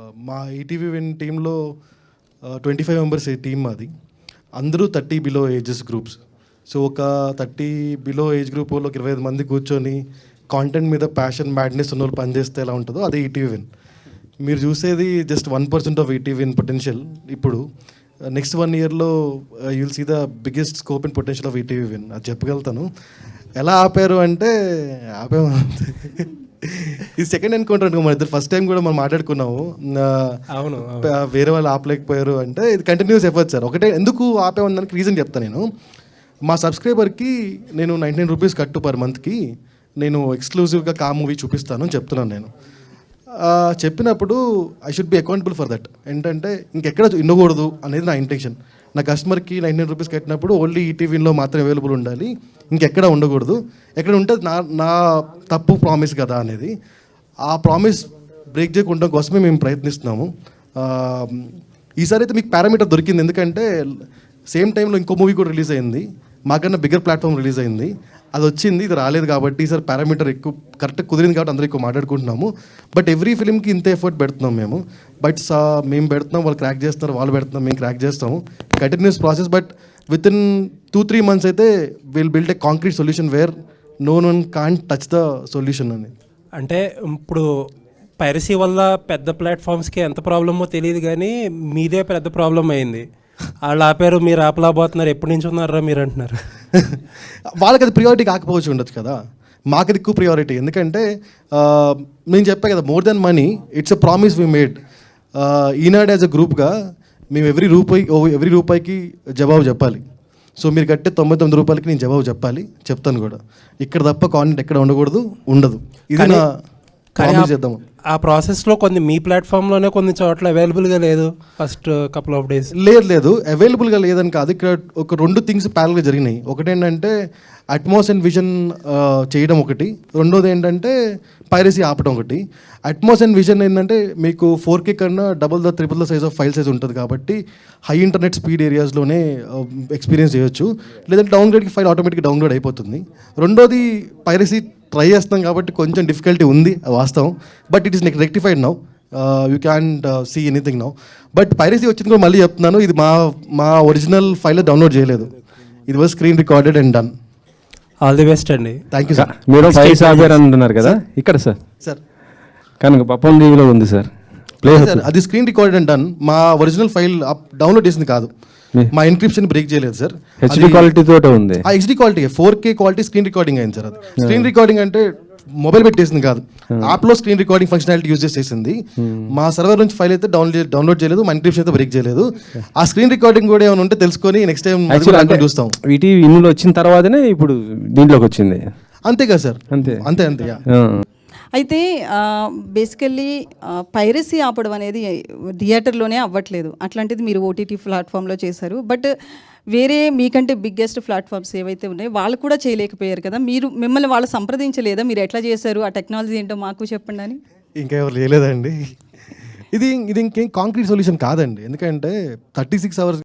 మా ETV win టీంలో 25 members team మాది. అందరూ 30 బిలో ఏజెస్ గ్రూప్స్. సో ఒక 30 బిలో ఏజ్ గ్రూప్ వాళ్ళు ఒక 25 మంది కూర్చొని కాంటెంట్ మీద ప్యాషన్ మ్యాడ్నెస్ ఉన్న వాళ్ళు పనిచేస్తే ఎలా ఉంటుందో అదే ఈటీవీ విన్. మీరు చూసేది just 1% of ETV win potential. ఇప్పుడు నెక్స్ట్ 1 ఇయర్లో you'll see the biggest scope and potential of ETV win. అది చెప్పగలుగుతాను. ఎలా ఆపారు అంటే ఆపాము. ఇది సెకండ్ ఎన్కౌంటర్ అనుకో, మన ఇద్దరు ఫస్ట్ టైం కూడా మనం మాట్లాడుకున్నాము. అవును, వేరే వాళ్ళు ఆపలేకపోయారు అంటే ఇది కంటిన్యూస్ ఎఫర్ట్ సార్. ఒకటే ఎందుకు ఆపేమన్నానికి రీజన్ చెప్తాను నేను. మా సబ్స్క్రైబర్కి నేను 99 రూపీస్ కట్టు పర్ మంత్కి నేను ఎక్స్క్లూజివ్గా కా మూవీ చూపిస్తాను అని చెప్తున్నాను నేను. చెప్పినప్పుడు I should be accountable for that. ఏంటంటే ఇంకెక్కడ ఉండకూడదు అనేది నా ఇంటెన్షన్. నా కస్టమర్కి 99 రూపీస్ కట్టినప్పుడు ఓన్లీ ఈటీవీలో మాత్రం అవైలబుల్ ఉండాలి, ఇంకెక్కడ ఉండకూడదు. ఎక్కడ ఉంటే నా తప్పు ప్రామిస్ కదా అనేది. ఆ ప్రామిస్ బ్రేక్ చేయకుండా కోసమే మేము ప్రయత్నిస్తున్నాము. ఈసారి అయితే మీకు పారామీటర్ దొరికింది. ఎందుకంటే సేమ్ టైంలో ఇంకో మూవీ కూడా రిలీజ్ అయింది, మాకన్నా బిగ్గర్ ప్లాట్ఫామ్ రిలీజ్ అయింది. అది వచ్చింది, ఇది రాలేదు. కాబట్టి ఈసారి పారామీటర్ ఎక్కువ కరెక్ట్గా కుదిరింది కాబట్టి అందరూ ఎక్కువ మాట్లాడుకుంటున్నాము. బట్ ఎవ్రీ ఫిల్మ్కి ఇంత ఎఫర్ట్ పెడుతున్నాం మేము. బట్ మేము పెడుతున్నాం, వాళ్ళు క్రాక్ చేస్తున్నారు, వాళ్ళు పెడుతున్నాం, మేము క్రాక్ చేస్తాము. Continuous process. But within 2-3 months అయితే will build a concrete solution where no one can't touch the solution అని. అంటే ఇప్పుడు పైరసీ వల్ల పెద్ద ప్లాట్ఫామ్స్కి ఎంత ప్రాబ్లమో తెలియదు, కానీ మీదే పెద్ద ప్రాబ్లం అయింది. వాళ్ళు ఆపారు, మీరు ఆపలేకపోతున్నారు, ఎప్పటి నుంచి ఉన్నారా మీరు అంటున్నారు. వాళ్ళకి అది ప్రియారిటీ కాకపోవచ్చు ఉండొచ్చు కదా, మాకు అది ఎక్కువ ప్రియారిటీ. ఎందుకంటే నేను చెప్పా కదా, more then money it's a promise we made. Eenadu as a గ్రూప్గా మేము ఎవ్రీ రూపాయికి జవాబు చెప్పాలి. సో మీరు కట్టే 99 రూపాయలకి నేను జవాబు చెప్పాలి, చెప్తాను కూడా. ఇక్కడ తప్ప కాంటెంట్ ఎక్కడ ఉండకూడదు, ఉండదు. ఇది నా ప్రామిస్ చేద్దాము. ఆ ప్రాసెస్లో కొన్ని మీ ప్లాట్ఫామ్లోనే కొన్ని చోట్ల అవైలబుల్గా లేదు ఫస్ట్ కపుల్ ఆఫ్ డేస్. లేదు అవైలబుల్గా లేదని కాదు. ఇక్కడ ఒక 2 థింగ్స్ ప్యారల్గా జరిగినాయి. ఒకటి ఏంటంటే అట్మాస్ అండ్ విజన్ చేయడం ఒకటి, రెండోది ఏంటంటే పైరసీ ఆపడం ఒకటి. అట్మాస్ అండ్ విజన్ ఏంటంటే మీకు 4K కన్నా triple the size of file size ఉంటుంది కాబట్టి హై ఇంటర్నెట్ స్పీడ్ ఏరియాస్లోనే ఎక్స్పీరియన్స్ చేయొచ్చు. లేదంటే డౌన్గ్రేడ్కి ఫైల్ ఆటోమేటిక్గా డౌన్లోడ్ అయిపోతుంది. రెండోది పైరసీ ట్రై చేస్తాం కాబట్టి కొంచెం డిఫికల్టీ ఉంది, వాస్తవం. But it is rectified now, you can see anything now. But piracy వచ్చింది కూడా మళ్ళీ చెప్తున్నాను, ఇది మా ఒరిజినల్ ఫైల్ డౌన్లోడ్ చేయలేదు. ఇది was screen recorded and done. All the best అండి. Thank you sir. మీరు ఫైల్స్ ఆపారు అంటున్నారు కదా ఇక్కడ సార్ కనుక పప్పన్ టీవీలో ఉంది సార్. సార్ అది స్క్రీన్ రికార్డెడ్ అండ్ డన్. మా ఒరిజినల్ ఫైల్ డౌన్లోడ్ చేసింది కాదు, మా ఎన్క్రిప్షన్ బ్రేక్ చేయలేదు సార్. హెచ్డి క్వాలిటీ తోటే ఉంది. ఆ HD quality 4K quality screen recording అయింది సార్. అది స్క్రీన్ రికార్డింగ్ అంటే మొబైల్ పెట్టేసింది కాదు, యాప్లో స్క్రీన్ రికార్డింగ్ ఫంక్షనాలిటీ యూజ్ చేసేసింది. మా సర్వర్ నుంచి ఫైల్ అయితే డౌన్లోడ్ చేయలేదు, మా ఎన్క్రిప్షన్ అయితే బ్రేక్ చేయలేదు. ఆ స్క్రీన్ రికార్డింగ్ కూడా ఏమైనా ఉంటే తెలుసుకొని నెక్స్ట్ టైం చూస్తాం. వీటి ఇందులో వచ్చిన తర్వాతనే ఇప్పుడు దీంట్లోకి వచ్చింది. అంతే కదా సార్, అంతే. అయితే బేసికల్లీ పైరసీ ఆపడం అనేది థియేటర్లోనే అవ్వట్లేదు. అట్లాంటిది మీరు ఓటీటీ ప్లాట్ఫామ్లో చేశారు. బట్ వేరే మీకంటే బిగ్గెస్ట్ ప్లాట్ఫామ్స్ ఏవైతే ఉన్నాయో వాళ్ళు కూడా చేయలేకపోయారు కదా, మిమ్మల్ని వాళ్ళు సంప్రదించలేదా? మీరు ఎట్లా చేశారు, ఆ టెక్నాలజీ ఏంటో మాకు చెప్పండి అని. ఇంకా ఎవరు చేయలేదండి. ఇది ఇంకేం కాంక్రీట్ సొల్యూషన్ కాదండి. ఎందుకంటే 36 hours